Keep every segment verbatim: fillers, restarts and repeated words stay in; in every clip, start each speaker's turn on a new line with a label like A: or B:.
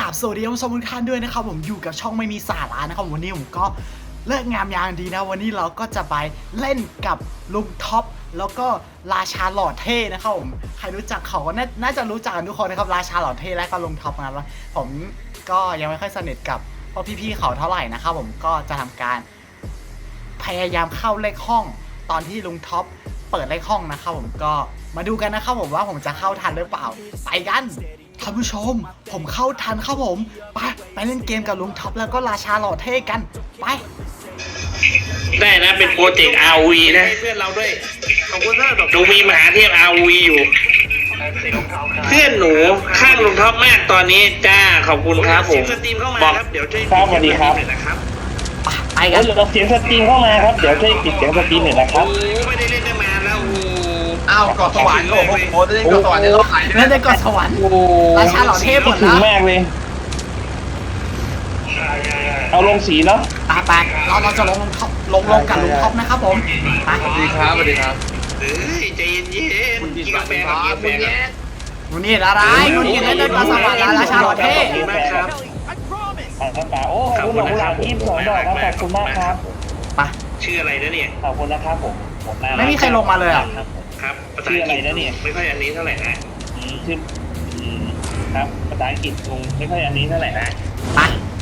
A: ราบสวัสดีท่านผู้ชมทุกท่านด้วยนะครับผมอยู่กับช่องไม่มีสาระนะครับวันนี้ผมก็เลิกงามยามดีนะวันนี้เราก็จะไปเล่นกับลุงท็อปแล้วก็ราชาหล่อเท่นะครับผมใครรู้จักเขาก็น่าจะรู้จักกันทุกคนนะครับราชาหล่อเท่และก็ลุงท็อปนะครับผมก็ยังไม่ค่อยสนิทกับพวกพี่ๆเขาเท่าไหร่นะครับผมก็จะทำการพยายามเข้าเลขห้องตอนที่ลุงท็อปเปิดเลขห้องนะครับผมก็มาดูกันนะครับผมว่าผมจะเข้าทันหรือเปล่าไปกันท่านผู้ชมผมเข้าทันครับผมไปไปเล่นเกมกับลุงท็อปแล้วก็ราชาหล่อเท่กันไป
B: ได้นะเป็นโปรเจกต์ อาร์ โอ วี นะเพื่อนเราด้วยขอบคุณมากหนูมีมหาเทพ อาร์ โอ วี อยู่เพื่อนหนูข้างลุงท็อปมากตอนนี้จ้าขอบคุณครับผมสตรีมเข้ามาครับเดี๋ยวช่วยครับสวัสดีครับนะครับ
A: ไปกัน
C: เราเสียงสตรีมเข้ามาครับเดี๋ยวช่วยปิดเสียงสตรีมหน่อยนะครับ
B: โอ้ไม่ได้เล่นกันมาแล้วโอ้
D: อ้าวเกาะสวรรค์โอ้โหโอ้ได้เกาะสวรรค์เนี่ยต้องขายเลย
A: เล่นได้ก่อนสวรรค์ราชาหล่อเท่หมด
C: ถึ
A: แล้
C: ง
A: ว
C: มากเลยเอาลงสีเนาะ
A: ไปไปเราเราจะลงลุงท็อปลงลงกับลุงท็อปนะครับผมไป
D: สวัสดีครับสวัสดีครับ
B: เฮ้ยใจเย็นๆกินกาแฟกับกินกาแฟกับ
A: มูนี่อะไรมูนี่เล่นได้ก่อนสวรรค์แล้วราชาหล่อเท่
B: ขอบคุณมากครับ
C: ป่าโอ้ขอบคุณหลวงพ่อยี่สิบสองดอกครับขอบคุณมากครับ
A: ไป
B: ชื่ออะไรนะเนี่ย
C: ขอบคุณนะครับผม
A: ไม่มีใครลงมาเลยอ่ะ
B: ครับภาษาอังกฤษไม่ค่อยอันนี้เท่าไหร่นะ
C: ชื่อครับภาษาอังกฤษลงไม่ค่อยอันนี้เท่าไหร่นะ
A: ไป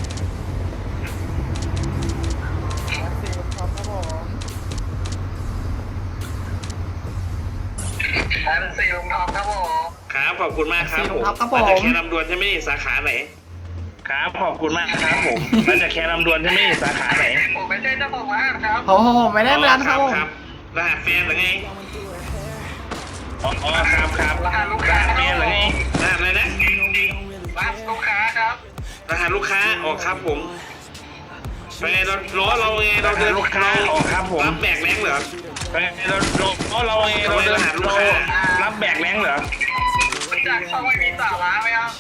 D: สี่ลุงทองครับผม
B: ครับขอบคุณมากครับผม
A: ครับผ
B: มาม จากแค่ลำดวนใช่ไหมสาขาไหนครับขอบคุณมากครับผมมาจากแค่ลำดวนใช่ไหมสาขาไหน
D: ผมไม่ใช่เจ้าของร้านครับ
A: โอ้โหไม่ได้ร้านครับผม
B: รหัสแฟนหรือไงอ๋อครับครับ
D: รหัสลูกค้า
B: แฟนหรือไงรหัสอะไรนะ
D: รหัสลูกค้าครับ
B: รหัสลูกค้าอ๋อครับผมไปไงเราล้อเราไงเราเดินลูกค้าอ๋อครับผมรับแบกแรงเหรอไปไงเราล้อเราไงเราเดินหาลูกค้ารับแบกแรงเหรอ
D: จากช่องไม่มีสาระไหมครับ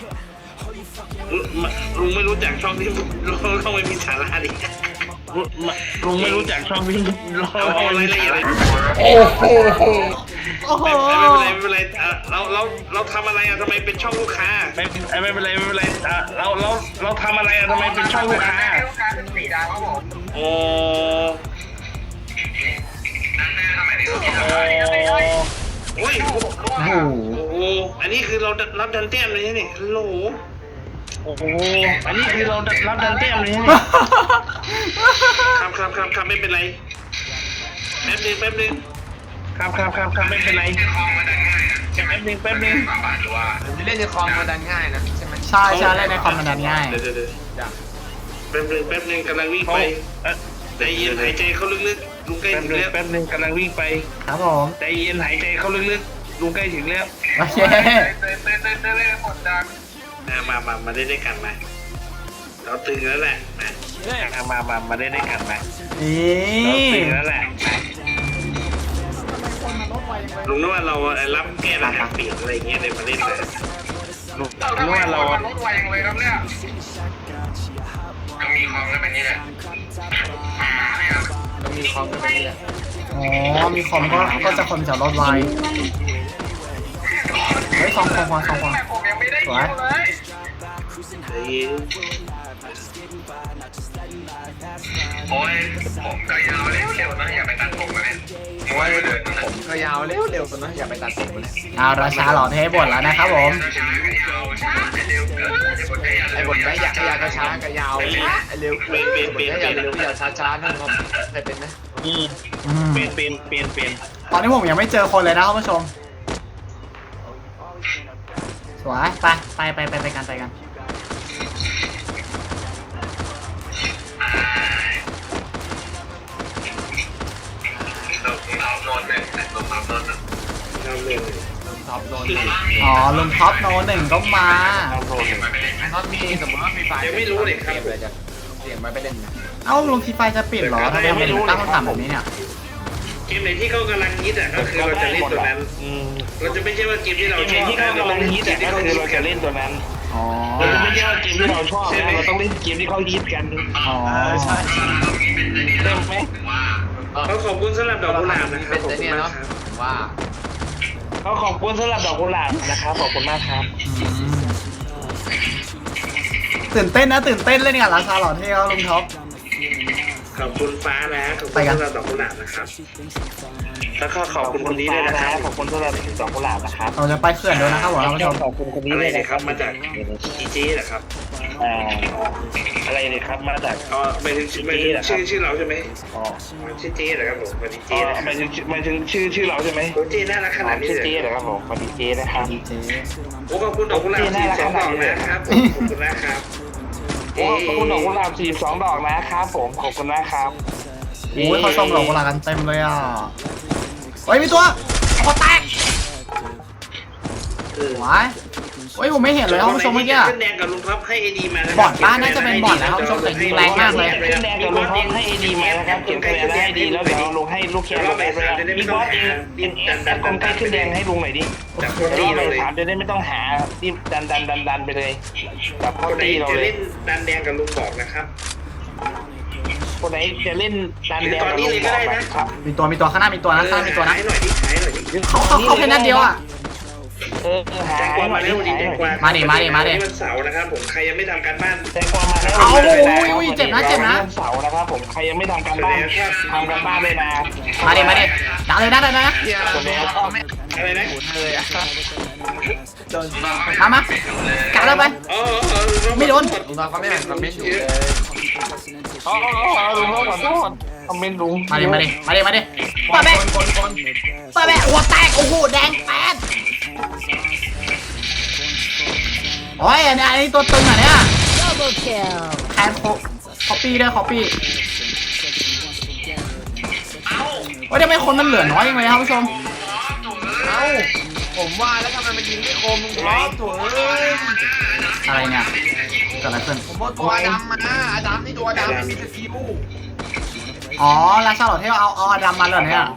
B: ลุงไม่รู้จักช่องที่ลุงเขาไม่มีสาระดิลุงไม่รู้จักช่องที่เราเอาอะไรละเอียด
A: โอ้โหโอ้โห
B: ไม่เป็นไรไม่เป็นไรเราเราเราทำอะไรอะทำไมเป็นช่องลูกค้าไม่ไม่เป็นไรไม่เป็นไรเราเราเราทำอะไรอะทำไมเป็นช่องลูกค้า
D: ลูกค้าเป็นสีดาวครับผม
B: โอ้โอ้ยโอ้โหอันนี้คือเรารับดันเต้มเลยนี่ฮัลโหลโอ้โหอันนี้คือเรารับดันเต้มเลยนี่ครับครับครับครับไม่เป็นไรแป๊บนึงแป๊บนึงครับครับครับครับไม่เป็นไรแป๊บนึงแป๊บนึง
D: เล่นในคอมมันดันง่ายนะใช่ไหม
A: ใช่ใช่เล่นในคอมมันดันง่าย
B: เดี๋ยวเดี๋ยวแป๊บนึงแป๊บนึงกำลังวิ่งไปใจเย็นหายใจเข้าลึกๆลุงใกล้ถึงแล้วแป๊บนึงกำลังวิ่งไป
A: ครับผม
B: ใจเย็นหายใจเข้าลึกๆลุงใกล้ถึงแล้ว
A: โอเค
D: เต้นเต้นเต้นเต้นเล่นหมดดัง
B: มามามาได้ได้กันมาเราตึงแล้วแหละมามามามาได้ได้กันมาเราตึงแล้วแหละลุงนึกว่าเรารับแก้รหัสเปลี่ยนอะไรเงี้ยเลยมาเล่นเลยลุงนึกว่าเรา
D: รถไวอย่างเลยครับเนี่ยมีคอมแล้วเป็นนี่แหละมีคอมแล้วเป็นนี่แหละ
A: อ๋อมีคอมก็ก็จะคนจากรถไวเฮ้ยสองคนสองคนสวย
D: โอ้ยผมก็ยาวเร็วๆนะอย่าไปตัดผมเลยโอ้ยผมก็ยาวเร็วๆนะอย่าไปตัดผมเลย
A: เอาราชาหล่อเท่บ่นแล้วนะครับผม
D: ไอ้บทไม่อยากให้ยาวก็ช้าก็ยาวไอ้เร็วเป็นเป็นเป็นอยากเร็วอยากช้าช้านั่นครับใครเป็นไหม
B: เป็นเป็นเป็นเป็น
A: ตอนนี้ผมยังไม่เจอคนเลยนะท่านผู้ชมสวยไปไปไปไปไปกันไปกันอ๋อลุงท็อปโนหนึ่งก็มา
D: น็อตมีสมมติว่ามีไฟ
B: ยังไม่รู้เลยครับ
D: เสียงมาไปเล่น
A: เอ้าลุงทีไฟจะปิดหรอทำไมไม่รู้ตั้งคำถามแบบนี้เนี่ย
B: เกมไหนที่เขากำลังฮิตอ่ะก็คือเราจะเล่นตัวนั้นเราจะไม่ใช่ว่าเกมที่เราชอบที่เขากำลังฮิตอ่ะก็คือเราจะเล่นตัวนั้น
A: อ๋อ
B: เราจะไม่ใช่ว่าเกมที่เราชอบเราต้องเล่นเกมที่เขาฮิตกัน
A: อ๋อใช่
B: เล่นไหมเขาขอบคุณสำหรับดอกกุหลาบนะครับขอบคุณมากครับ
D: ว่า
B: เขาขอบคุณสำหรับดอกกุหลาบนะครับขอบคุณมากครับ
A: ตื่นเต้นนะตื่นเต้นเล่นกับราชาหล่อเท่ครับลุงท็อป
B: ขอบคุณฟ้านะขอบคุณ
A: ไปกัน
B: สำหรับดอกกุหลาบนะครับแล้วก็ขอบคุณคนนี้ด้วยนะครับ
C: ขอบคุณสำหรับดอกกุหลาบนะครับ
A: เราจะไปเขื่อนด้วยนะครับผมท่านผู้ชม
C: ขอบคุณคนนี้
B: อะไร
C: ด้วย
B: เนี่ย
C: นะ
B: ค
C: ค
B: รั
C: รั
B: บบ มาจากจีจีเหรอครับ
C: อ่าอะไรเนี่ยครับมาจาก
B: อ๋อไม่ถึงไม่ถึงชื่อชื่อเราใช่ไหม
C: อ๋อ
B: ชื่อจีเหรอครับผมสวัสดี
C: อ๋
B: จี
C: อ
B: นะครับ
C: หมายถึงหมายถึงชื่อชื่อเราใช่ไหม
B: โอ้จีน่ารักขนาดนี้
C: ชื่อ
B: เลย
C: เจ๊เหรอครับผมสวัสดีเจ๊นะครับ
A: ดีเจ
B: โอ้ขอบคุณดอกกุหลาบสี่สองดอกนะครับผมขอบคุณนะครับ
C: โอ้ขอบคุณดอกกุหลาบสี่สองดอกนะครับผมขอบคุณนะครับ
A: โอ้ยเขาส่งดอกกุหลาบกันเต็มเลยอ่ะเฮ้ยมีตัวคอแตก
B: เออ
A: หวายเฮ้ยผมไม่เห็นเลยท่านผู้ชมเมื่อกี้
B: ขึ้นแดงกับลุงครับให้ไอดีมานะ
A: บอทป้าน่าจะเป็นบอทนะท่านผู้ชมแต่ยิงแรงมากเลย
C: ขึ้นแดงกับลุงให้เอดีมานะครับเก็บคะแนนให้ดีแล้วเดี๋ยวลุงให้ลูกแคร์ลงไปเลยมีบอสเองดินดันกลไกขึ้นแดงให้ลุงหน่อยดิ
B: จากโค
C: เดี๋ยว
B: ตี้
C: เรา
B: เรา
C: ไป
B: เลย
C: ถามจะได้ไม่ต้องหารีบดันดันดันดันไปเลยจับ
B: ค
C: ข้อน
B: ไหน
C: ตีเรา
B: จะ
C: เลย
B: เล่นดันแดงกับลุงบอกนะครับ
C: คนไหนจะเล่นดันแดงกับลุงบอกนะครับ
A: มีตัวมีตัวข้างหน้ามีตัวนะข้างหน้ามีตัวนะ
B: หายหน่อยดิหายหน่อยดิ
A: เขาเขาเขาแค่นัดเดียวอ่ะ
C: เออหา
B: แตงกวามาแล้ววันนี้แตงกวา
A: มาดิมาดิมาดิ
B: วันเสาร์นะครับผมใครยังไม่ทำการบ้าน
C: แตงกวามาแล้ว
A: เอาโอ้ยอุ้ยเจ็บนะเจ็บนะ
C: วันเสาร์นะครับผมใครยังไม่ทำการบ้านทำการบ้านเลยนะ
A: มาดิมาดิดังเลยนะดังเลยนะ
D: เฮีย
C: คนนี้
B: อะไรนะ
D: เลยอะ
A: มามากัดแล้วไป
B: อ๋ออ๋อ
A: ไม่โดน
D: ลุงน้องเขาไม่อ่านคอมเมนต์อยู่เลย
C: อ๋อลุงขอโทษคอมเมนต์ลุง
A: มาดิมาดิมาดิมาดิเปิดแบะ
D: คนคน
A: เปิดแบะหัวแตกโอ้โหแดงแป๊ดโอ้ยอันนี้อันนี้ตัวตึงอ่ะเนี่ย
E: Double kill.
A: แคนโคคอปปี้ด้วยคอปปี้ว่าทำไมคนมันเหลือน้อยยังไงครับผู้ชม
D: เอ้าผมว่าแล้วทำไมมันยิงไม่คมลุงท็อปตัวเอ้ย
A: อะไรเนี่ยเกิดอะไรขึ้น
D: ผมว่าตัวดำมาอดัมนี่ตัวดำไม่มีสกิล
A: อ๋อราชาหลอดเทลเอาเอาอดัมมาเลยเนี่ย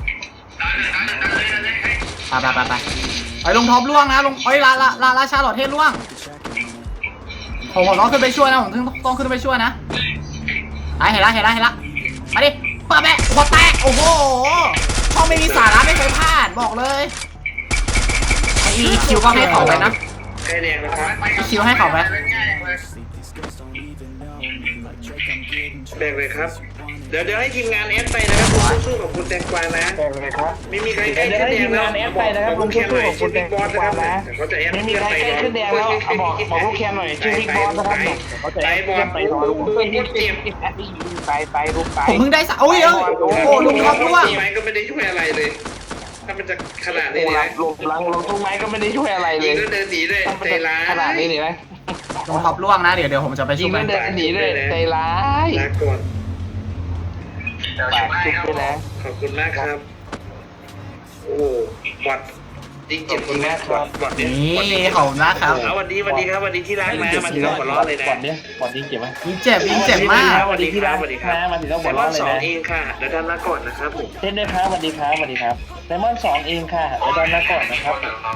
A: ไปไปไปไปไอ้ลุงท็อปล่วงนะลุงเอ้ยลาลาลาราชาหลอดเทลล่วงผมผมต้องขึ้นไปช่วยนะผมต้องต้องขึ้นไปช่วยนะไอ้เห็นละเห็นละเห็นละมาดิเปิดแบะหัวแตกโอ้โหช่องไม่มีสาระไม่เคยพลาดบอกเลยไอ้อีคิวก็ให้เขาไปนะ
B: ใครแดงนะครับ
A: อีคิวให้เขาไป
B: แดงเลยครับเดี๋ยวเดี๋ยวให้ทีมงานแอดไปนะครับผมสู้กับคุณแตงกวานะ
C: แดงเลยครับ
B: ไม่มีใครใกล้
C: เดี๋ยว
B: ขึ้น
C: ให้
B: แด
C: ที
B: ง
C: ม
B: แล้ว
C: งานแอดไปนะครับลุงสู้ๆกับคุณแตง
B: บอส
C: ก
B: นะคว
C: า
B: รับ
C: นะ
B: เขาจะแอด
C: ไม่มีใครใกล้ขึ้นแดงแล้วบอกบอกลูกแคนหน่อยชื่อบิ๊กบอสนะครับเขาจะ
B: ไป
C: แอด
B: บอล
C: ไปรอลูก
B: ปืนพูดเจ็บ
C: ไปไปลูกไป
A: ผมเพิ่งได้สะโอ้ยเอ้ยโอ้โหลุงท็อปล่วง
B: ไปก็ไม่ได้ช่วยอะไรเลย ถ้ามันจะขนาดนี้
C: โอ้
B: เลย
C: ลงหลังลงตุ้งไม้ก็ไม่ได้ช่วยอะไรเล
B: ยิ
C: ย
B: งแล้วเดินหนีเลยใจร้าย
C: ขนาดนี้นี่นะ
A: ลุงท็อปล่วงนะเดี๋ยวเดี๋ยวผมจะไป
C: ยิ
A: ช่
C: ง
A: วย
C: แล้วเดินหนีเลยใจร้าย
B: ลาก่อน
C: ปากจุกไปแล้ว
B: ขอบคุณมากครับ โอ้วัดจริงเจ็บคุณแม่ครับวัดเนี่ย
A: นี่ขอบคุณนะครับ
B: เอาวันนี้วันนี้ครับวันนี้ที่รักนะมาถึงต้องหัวเราะเลยนะ
C: ก่อนเนี้ยก่อนนี้เก็บไหม
A: ยิงเจ็บยิงเจ็บมาก
C: สวัสดีที่รักนะมาถึงต้องหัวเราะเลย
B: สอง
C: นะ
B: เองค่ะเดี๋ยวด้านหน้าก่อนนะครับผม
C: เช่นด้วยครับสวัสดีครับสวัสดีครับไดมอนด์สองเองค่ะเดี๋ยวด้านหน้าก่อนนะครับ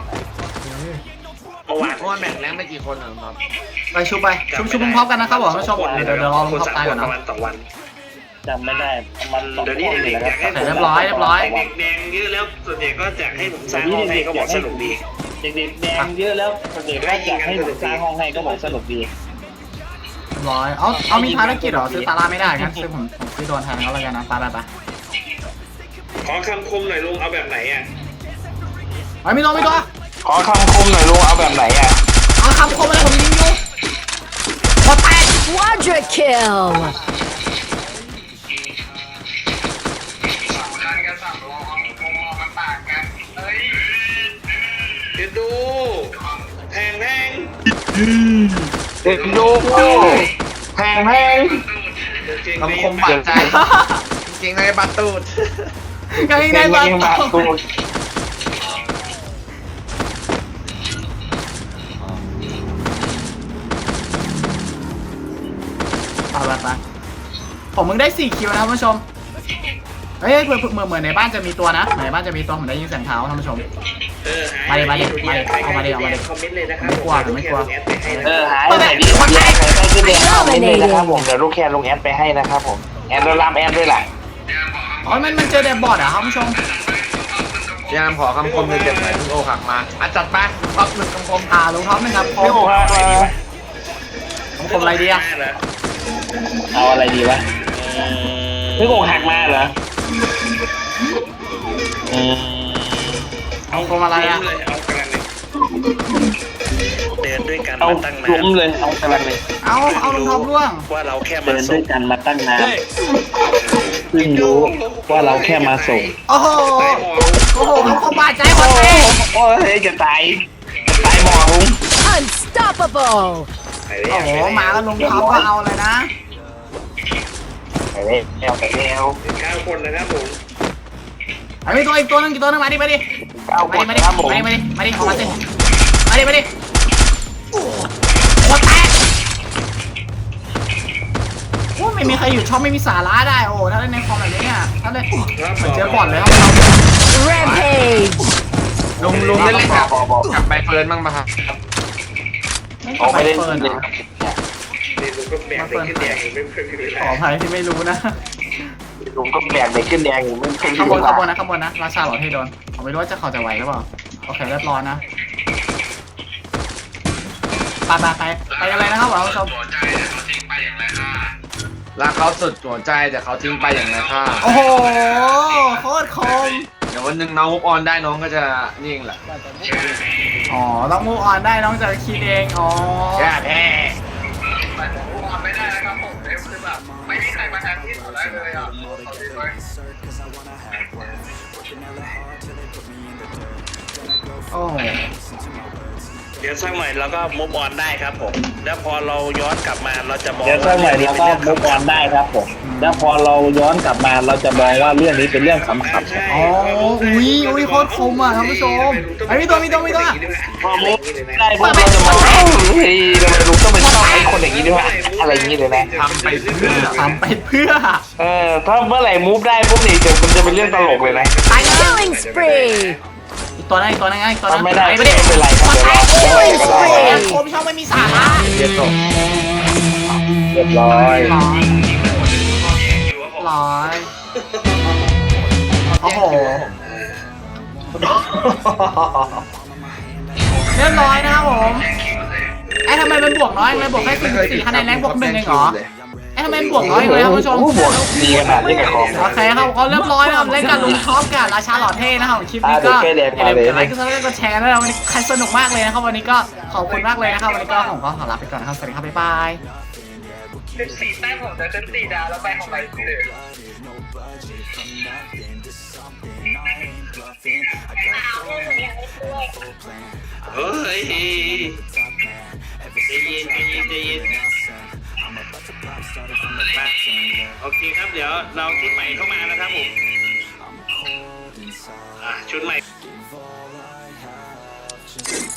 B: เมื่อวาน
D: เพราะว่าแมตช์แรกไม่กี่คนเหรอครับ
A: ไปชุบไปชุบชุบลุงท็อปกันนะครับผมท่านผู้ชมเดี๋ยวเดี๋ยวเดี๋ยวรอลุงท็อปตายก่อน
B: ป
A: นะ
B: ระมาณสองวัน
C: จำไม่ได้มันสอง
B: เดี๋ยว
C: ค
B: นี้
C: นเล
B: เด็
C: ย
B: ก
C: นะ
B: ๆ
C: ค
B: อยากให้
C: รับ
A: เรียบร้อยเรียบร้อย
B: เด็กแดงเยอะแล้วส่วนใหญ่ก็จะให้ผมสร้างห้องให้ก็บอกสนุกดี
C: เด็กๆแดงเยอะแล้วเด็กก็อยากให้ผมสร้างห้องให้ก็บอกสนุกดี
A: เรียบร้อยเอาเอามีภารกิจเหรอซื้อตาล่าไม่ได้งั้นซื้อผมผมซื้อโดนแทนเขาเลยกันนะไปไปไป
B: ขอคำคมหน่อยลุงเอาแบบไหนอ่ะ
A: ไอ้มีตัวมีตัว
C: ขอคำคมหน่อยลุงเอาแบบไหนอ่ะ
A: เอาคำคมอะไรผมยิงอยู่หัวแตก
E: Quadra kill.
B: เดี๋ยวดูแทงแทง
C: เด็กดูแพงแพง
D: คำคมบาดใจ จริงๆเลยบัตรตูด
A: กางเกงในบา
C: ยิงบา
A: ตู
C: ตูด
A: ไปไปไปผมมึงได้สี่คิวนะท่านผู้ชมเฮ้ยเผื่อเผื่อเหมือนในบ้านจะมีตัวนะเหมือนในบ้านจะมีตัวผมได้ยินเสียงเท้าท่านผู้ชม
B: เออ
A: มาดิมาดิมาดิเอามาดิเอามาดิ
B: คอมเมนต์เลยนะครับ
A: ไม่กลัวผมไม่กลัว
C: เออหายไหนดีใครใครขึ้นแดงเข้าไปเลยนะครับผมเดี๋ยวลูกแคนลงแอดไปให้นะครับผมแอดแล้วรามแอดด้วยแหละ
A: อ๋อมันมันเจอแดบบอร์ดเหรอครับท่านผู้ชม
D: พยายามขอคำคมเลยเจ็บหน่อยคุณโอขักมาอ่ะจัดไปท็อปหนึ่งคำคม
A: อ่าลุงท็อปหนึ่งครับผ
C: ไม่
A: ม
C: บอกว่า
A: ผมคมอะไรดีอะ
C: เอาอะไรดีวะพี่โกงหักมาเหรออืม
A: เอาคมอะไรอะ
B: เลยเอากระเลยเดินด้วยกัน
C: เอา
B: มาตั้ง
C: ล้
B: นาม น
C: เลยเอากำลังเลย
A: เอาเอาลุงท็อปร่วง
B: ว่าเราแค่มา
C: เดิน
B: ส่
C: ด้ว
B: ง
C: ยกันมาตั้งนานเพิ่งรู้ว่าเราแค่มาส่ง
A: โอ้โหโอ้โหเขาคมบาดใจหมดเลย
C: โอ้ยจะตายจะตายหมอลุง
E: Unstoppable.
B: ไปแล้
A: โอ้
B: ว
A: โหมาแล้วลุงท็อปก็เอาเลยนะ
C: ไปแล้วไปแล้ว
B: เก้าคนนะครับผม
A: ไอ้มีตัวอีกตัวนึงอีกตัวนึงมาดิมาดิ
C: เก้าค
A: มาน ดิมาดิ
C: ครับผม
A: มาดิมาดิมาดิออกมาสิมาดิมาดิโอ้โหแตกโอ้ไม่มีใครอยู่ช่องไม่มีสาระได้โอ้ถ้าเล่นในคอมแบบนี้เนี่ยถ้าเล่นเหมือนเจอบอลเลยครับ
E: Rampage.
D: ลุงลุงได้เล่นกับ
C: บอกบอก
D: กับใบเฟิร์นบ้างปะครับ
A: ไม่
C: ออกไป
A: ไป
C: เล่น
A: เฟิร์น
C: เล
A: เหร
C: ย
A: อ
B: นี่ลุงก็แบกไปขึ้นแดงไม่เคยมีเว
A: ข
B: ลา
A: ออภัยที่ไม่รู้นะ
C: ลุงก็แบกไปขึ้นแดงอยู่ไม่เคย
A: ข้างบน
C: รู้
A: ข้างบนนะข้างบนนะราชาหลอดให้โดนผมไม่รู้ว่าจะเขาจะไหวหรือเปล่าโอเคเรียบร้อยนะไปไปไปไปอะไรนะครับท่านผู้ชม
D: รักเขาสุดหัวใจแต่เขาทิ้งไปอย่างไรค่า
A: โอ้โหโคตรคม
D: เดี๋ยววันหนึ่งน้องมุกออนได้น้องก็จะนี่เองแหละ
A: อ๋อต้องมูฟออนได้น้องจะคิดเองอ๋อ
D: แย่แท้
F: ไม่ได้นะครับผมคือแบบไม่มีใครมาแทนที่ผมได้เลยอ่ะเอาดีเลย
A: โอ้โห
B: เดี๋ยวสักหน่อยเราก็มุฟออนได้ครับผม แล้วพอเราย้อนกลับมาเราจะมอง
C: เดี๋ยวสักหน่อยเราก็มุกออนได้ครับผมแล้วพอเราย้อนกลับมาเราจะมองว่าเรื่องนี้เป็นเรื่องขำๆ
B: ใช่
A: อ๋ออุ้ยอุ้ยโคตรคมอ่ะท่านผู้ชมไอ้มีตัวมีตัวมีตัว
C: พอมุกได้พวกเราจะมาเฮ้ยทำไมลุงต้องเป็นชอบไอ้คนอย่างนี้ด้วยวะอะไรอย่างนี้เลยนะ
D: ทำไปเพื่อ
A: ทำไปเพื่อ
C: เออถ้าเมื่อไหร่มูฟได้ปุ๊บนี่เดี๋ยวมันจะเป็นเรื่องตลกเลยนะ
A: ตายแล้ว
E: Killing spree.
A: อีกตัวนึงอีกตัวนึงอีกตัวนึง
C: ทำไม่ได้
A: ไม่
C: ไม่
A: ได้
C: เป็นไรครับเดี๋ยวรอ
E: Killing
C: ก็ได้
E: spree.
A: คมช่องไม่มีสาระ
D: เรียนจบ
C: เรียบร้อย
A: ร้อยร้อยโอ้โหเรียบร้อยนะครับผมไอ้ทำไมมันบวกน้อยเลยบวกแค่สี่สี่คะแนนแรงบวกหนึ่งเองเหรอไอ้ทำไมมันบวกน้อยเลยครับผู้ชม
C: โอ้โหบวกดีขนาดนี้กับของ
A: โอเคครับก็เรียบร้อยนะครับเล่นกับลุงท็อปกับราชาหล่อเท่นะครับคลิปนี้ก็อย่าลืมกดไลค์กดซับสไครต์กดแชร์นะครับวันนี้ใครสนุกมากเลยนะครับวันนี้ก็ขอบคุณมากเลยนะครับวันนี้ก็ผมก็ขอลาไปก่อนนะครับสวัสดีครับบ๊ายบาย
F: สิบสี่แต้มผมจะเป็นสี่ดาวแล้วไปของใบเฟิร์น
B: เฮ้ยใจเย็นใจเย็นใจเย็นโอเคครับเดี๋ยวเราชุดใหม่เข้ามานะครับผมอ่ะชุดใหม่